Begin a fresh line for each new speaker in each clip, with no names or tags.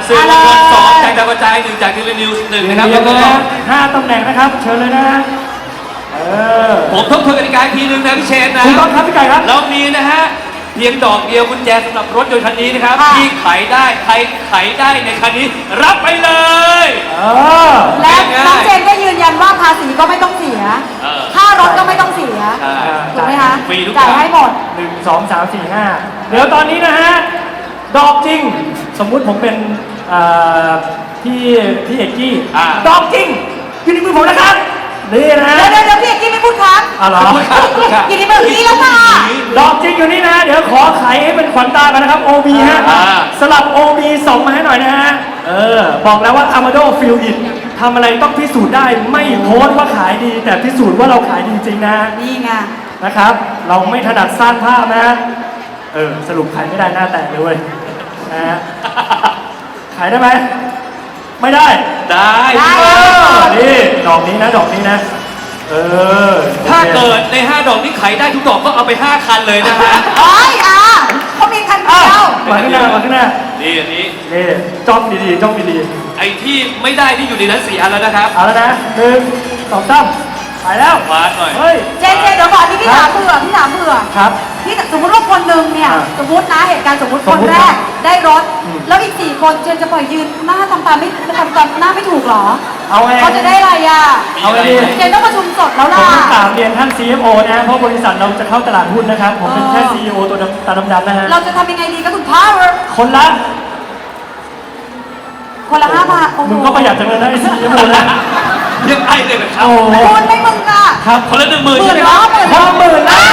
สื่อมวลชน2จากดาวกระจาย1จากทีวีนิวส์1นะครับแล้วก็
5ตำแหน่งนะครับเชิญเลยนะ
ผมทบทวนกติกาอีกทีนึงนะพี่เชนนะ
ถูกต้องครับพี่ไก่ครับ
เรามีนะฮะเพียงดอกเดียวกุญแจสำหรับรถยนต์คันนี้นะครับที่ไขได้ใครไขได้ในคันนี้รับไปเลย
และน้องเจนก็ยืนยันว่าภาษีก็ไม่ต้องเสียค่ารถก็ไม่ต้องเสียถูกไหมคะจ่ายให้หมด
1 2 3 4 5เดี๋ยวตอนนี้นะฮะดอกจริงสมมุติผมเป็นพี่เอกกี้ดอกจริงอยู่ในมือผมนะครับนี่นะ
เดี๋ยวพี่เอกกี้ไม่พูดครับ
อะไร
อยู่ในมือพี่แล้วค่ะ
ดอกจริงอยู่นี่นะเดี๋ยวขอไขให้เป็นขวัญตากันนะครับ OB ฮะสลับ OB ส่งมาให้หน่อยนะฮะบอกแล้วว่า Amado Feel It ทำอะไรต้องพิสูจน์ได้ไม่โพสต์ว่าขายดีแต่พิสูจน์ว่าเราขายดีจริงนะ
นี่ไง
นะครับเราไม่ถนัดสร้างภาพนะสรุปขายไม่ได้หน้าแตกเลยนะฮะขายได้ไหมไม่ได้นี่ดอกนี้นะดอกนี้นะ
ถ้าเกิดใน5ดอกนี้ขายได้ทุกดอกก็เอาไป5คันเลยนะฮะ
เขามีคันเดียว
มาขึ้นหน้า
นี่อันนี้
จ้องดี
ไอ้ที่ไม่ได้ที่อยู่ในนั้น4 อันแล้วนะครับ
เอาแล้วนะ1 2 3ขายแล้ว
วาดหน่อย
เจนเดี๋ยวก่อนที่พี่ถามเผื่อ
ครับ
พี่สมมติว่าคนหนึ่งเนี่ยสมมตินะเหตุการณ์สมมติคนแรกได้รถแล้วอีก4 คนเจนจะปล่อยยืนหน้าทำตาหน้าไม่ถูกหรอเขาจะได้อะไร
เอาไงดี
เจนต้องประชุมสดแล้วล่ะ
ผมต้องถามเรียนท่าน CFO นะเพราะบริษัทเราจะเข้าตลาดหุ้นนะครับผมเป็นแค่ CEO ตัวตาดำๆนะฮะ
เราจะทำยังไงดีกับคุณพ่อ
คนละ
5 บาท
มึงก็ประหยัดจังเลยนะไอ้ CFO นะ
ยังไงเลยครับ
คุณไม่มึงอะ
ครับ
คนละ10,000ใช่ไหมครับ
10,000นะ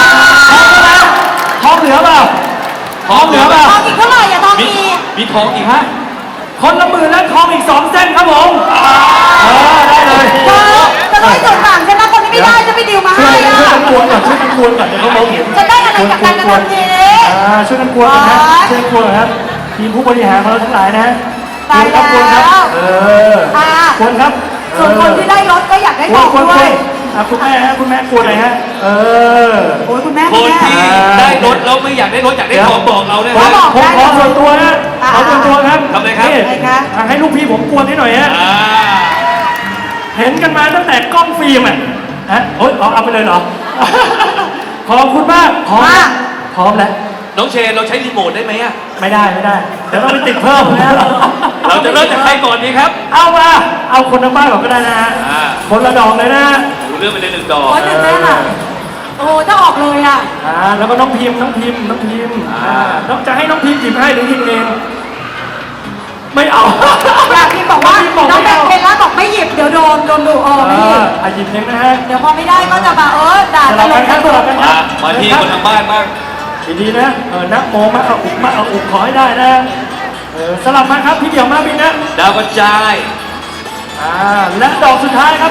ทองเหลือเปล่า
ทองอีกเท่าไหร่ทอง
มีทองอีกฮะ
คนละ10,000แล้วทองอีก2 เส้นครับผมได้เลย
จะต้องส่งต่างใช่ไหมคนที่ไม่ได้จะไปดิวมาให้
ช่วยกันกวนก่อนเดี๋ยวเขามองเห็น
จะได้อะไรจากการกระทำนี้
ช่วยกันกวนนะช่วยกันกวนครับทีมผู้บริหารของเราทั้งหลายนะ
ตายแล้ว
กวนครับ
ส่วนคนที่ได้รถก็อยากได้ทองด้วย
คุณแม่กวนอะไรฮะ
โอ้ยคุณแม่
คนที่ได้รถแล้วไม่อยากได้รถอยากได้ทองบอกเราเลยนะ
ผมขอส่วนตัวนะขอส่วนตัวครับ
ทำไงครับ
ให้ลูกพี่ผมกวนให้หน่อยฮะเห็นกันมาตั้งแต่กล้องฟิล์มเอาไปเลยเหรอขอบคุณมากพร้อมแล้ว
น้องเชนเราใช้รีโมทได้ไหม
ไม่ได้เดี๋ยวเราไปติดเพิ่มนะ
เราจะเริ่มจากใครก่อนดีครับ
เอาคนทั้งบ้านก่อนก็ได้นะคนละดอกเลยนะ
เริ่มไปเลย1 ดอก
ตื่นเต้นอ่ะโอ้จะออกเลยอ่ะ
แล้วก็น้องพิมน้องจะให้น้องพิมหยิบให้หรือหยิบเองไม่เอา
พิมบอกว่าน้องเบลเพลล่าบอกไม่หยิบเดี๋ยวโดนดุไม่หยิบ
หยิบเองนะฮะ
เดี๋ยวพอไม่ได้ก็จะมาด่า
กันเลยครับ
มาที่คนทางบ้านบ้าง
ดีนะนักโมมาเอาอุกขอให้ได้นะสลับมาครับพี่เดี่ยวมาบินนะ
ดาวกระจาย
และดอกสุดท้ายครับ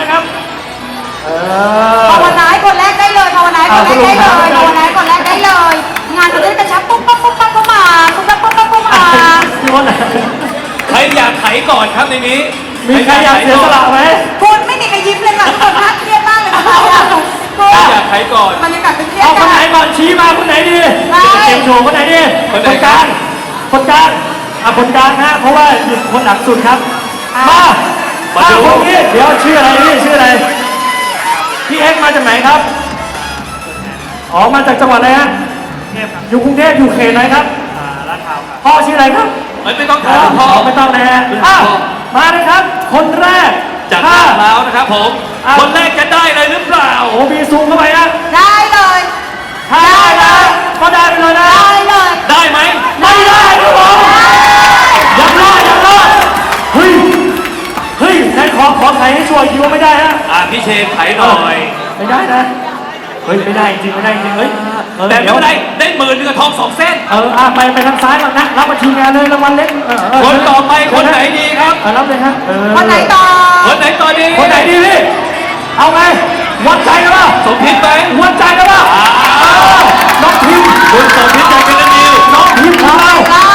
ภาวนาคนแรกได้เลยภาวนาคนแรกได้เลยงานจะได้กระชับปุ๊บเข้ามา
ใครอยากไขก่อนครับในนี้
มีใครอยากเสียสละไหม
คุณไม่มีใครยิ้มเลยค่ะทุกคนน่าเครียดมากเลยค่ะ
อยากไขก่อน
บรรยากาศเป็นเครียด
คนไหนก่อนชี้มาคนไหนดีเกมโชว์คนไหนดีคนกลางคนกลางฮะเพราะว่าหยิบคนหนักสุดครับมาดูคนนี้เดี๋ยวชื่ออะไรพี่เอ็กมาจากไหนครับมาจากจังหวัดอะไรฮะอยู่กรุงเทพอยู่เขตไหนครับลาดพร้าวครับพ่อชื่ออะไรครับ
ไม่ต้องถามพ่อ
ไม่ต้องนะฮะมาเลยครับคนแรก
จากลาดพร้าวนะครับผมคนแรกจะได้เลยหรือเปล่า
มีซูมเข้าไปนะ
ได้เลย
ได้เลยก็ได้ไปเลยนะ
ได้ไหม
ไม่ได้ครับผมยังรอดเฮ้ยนายขอไขให้ช่วยคิดว่าไม่ได้ฮะ
พี่เชนไขหน่อย
ไม่ได้นะไม่ได้จริง
แต่ไม่เป็นไรได้10,000กับทอง2 เส้น
ไปทางซ้ายก่อนนะรับมาทีมงานเลยรางวัลเล็ก
คนต่อไปคนไหนดีครับ
รับเลยครับ
คนไหนต่อ
ดี
คนไหนดีพี่เอาไงวัดใจกันป่ะ
สมพิษไหม
วัดใจกันป่ะน้องพิม
คุณสมพิษจากทีวีนิวส์
น้องพิมของเรา